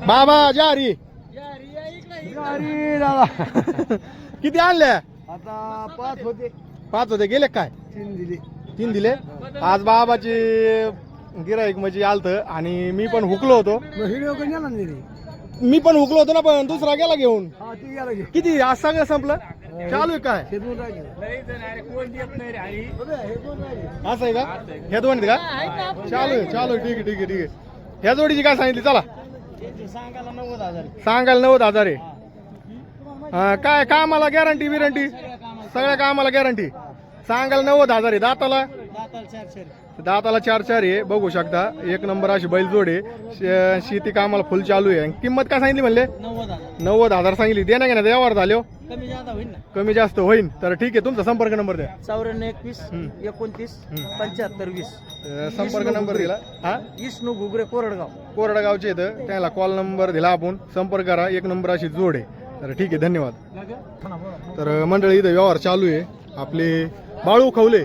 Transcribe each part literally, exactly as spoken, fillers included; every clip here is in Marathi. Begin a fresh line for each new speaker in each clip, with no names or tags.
बाबा जारी
अरे दादा
किती आणल्या?
आता पाच होते,
पाच होते, गेले काय?
तीन दिले.
तीन दिले. आज बाबाची गिराईक म्हणजे आलत आणि मी पण हुकलो होतो.
व्हिडिओ कोण गेला नाही रे?
मी पण हुकलो होतो ना, पण दुसरा गेला घेऊन.
हा ती गेला घे.
किती आज सगळं संपलं? चालू आहे काय?
हे दोन राहिले.
असं आहे का? ह्या दोन आहेत का? चालू आहे चालू आहे. ठीक आहे ठीक आहे ठीक आहे. ह्या जोडीची काय सांगितली? चला
सांगायला नव्वद हजार.
सांगायला नव्वद हजार आहे. हा, काय कामाला गॅरंटी बिरंटी? सगळ्या कामाला गॅरंटी. सांगायला नव्वद हजार आहे. दाताला
दाताला चार चार.
दाताला चार चार आहे. बघू शकता एक नंबर अशी बैल जोड आहे. शे- शेती कामाला फुल चालू आहे. किंमत काय सांगितली म्हणले?
नव्वद हजार.
नव्वद हजार सांगितली. दे ना घेण्यात व्यवहार झाले
कमी जादा होईल ना.
कमी जास्त होईल तर ठीक आहे. तुमचा संपर्क नंबर द्या.
चौऱ्याण्णव एकवीस
हम्म.
एकोणतीस
हम्म.
पंच्याहत्तर वीस.
अं, संपर्क नंबर दिला. हा
विष्णू घुगरे कोरडगाव.
कोरडगावचे इथं त्याला कॉल नंबर दिला आपण. संपर्क करा. एक नंबर अशी जोड आहे. तर ठीक आहे धन्यवाद. तर मंडळी इथं व्यवहार चालू आहे. आपले बाळू खवले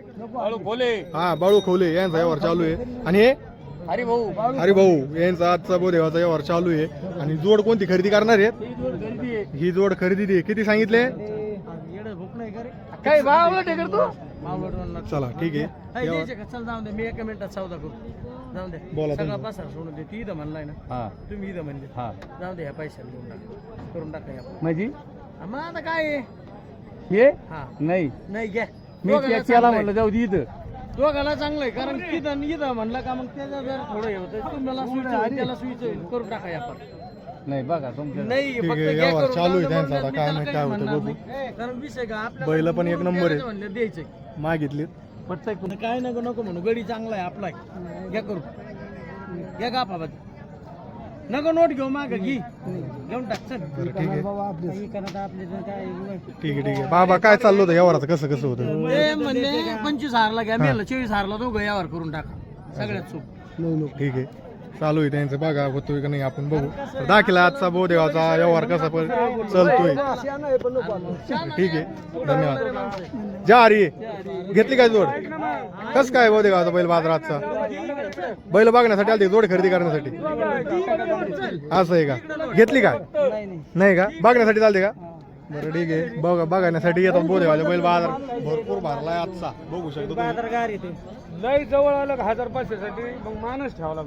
हा बाळू खवले यांचा व्यवहार चालू आहे. आणि हे
अरे भाऊ
अरे भाऊ यांचा आजचा बोधेवाचा व्यवहार चालू आहे. आणि जोड कोणती खरेदी करणार आहेत? ही जोड खरेदी दे. किती सांगितले?
भूक नाही करे
काय भाव करतो? चला ठीक आहे.
चल जाऊन दे. मी एका मिनिटात सौदा करू. जाऊन दे.
बोला
सगळा
तुम्ही.
पसार सोडून दे. ती इथं म्हणलाय ना, तुम्ही इथं म्हणले. जाऊन दे. ह्या पैशाला देऊन टाका, करून टाका या.
म्हणजे
मग आता काय आहे?
हे
हा
नाही
नाही घ्या.
मी
दोघाला
त्याला
चांगलं
म्हणलं जाऊ दे इथं.
आहे. दोघाला चांगलं आहे कारण तिथं इथं म्हणलं का मग त्याचं जर थोडं हे होतं तुम्हाला सुईचं होईल, त्याला सुईचं होईल, करून टाका या पण.
नाही बघा तुमचं
नाही
ठीक
फक्त
आहे,
घ्या
व्यवहार
करून.
चालू आहे
जाऊन दे
त्यांचा.
म्हणलं,
आता
मी
काय
त्याला
नाही,
काही
काय होतं
म्हणणार
बघू.
नाही. कारण विषय का आपल्या
बैल पण एक नंबर आहे.
म्हणलं द्यायचं
मागितली.
पटतंय काय नको नको म्हणू. गडी चांगला आहे आपला आहे. घ्या करू. घ्या का बाबा नको नोट घेऊ माग घे घेऊन टाक. चल
ठीक आहे
आपले
ठीक आहे ठीक आहे. बाबा काय चाललं होतं व्यवहाराचं? कसं कसं होतं?
ते म्हणले पंचवीस हारला घ्या. मेलं चोवीस हारला दोघं यावर करून टाका. सगळ्यात चूक.
ठीक आहे चालू आहे त्यांचं. बघा होतोय का नाही आपण बघू. तर दाखला आजचा बोधेवाचा व्यवहार कसा पण चालतोय. ठीक आहे धन्यवाद. जा अरे घेतली काय जोड? कस काय बोधेगावचा बैल बाजारातचा? बैल बघण्यासाठी आलते जोड खरेदी करण्यासाठी? असं आहे का? घेतली का? नाही का? बघण्यासाठी चालते का? बरं ठीक आहे. बघा बघण्यासाठी येतात बोधेगावचे बैल. बाजार भरपूर भरलाय आजचा. बघू शकतो तुम्ही.
बाजार गार येते.
लय जवळ आलं हजार पाचशे साठी मग माणूस ठेवला.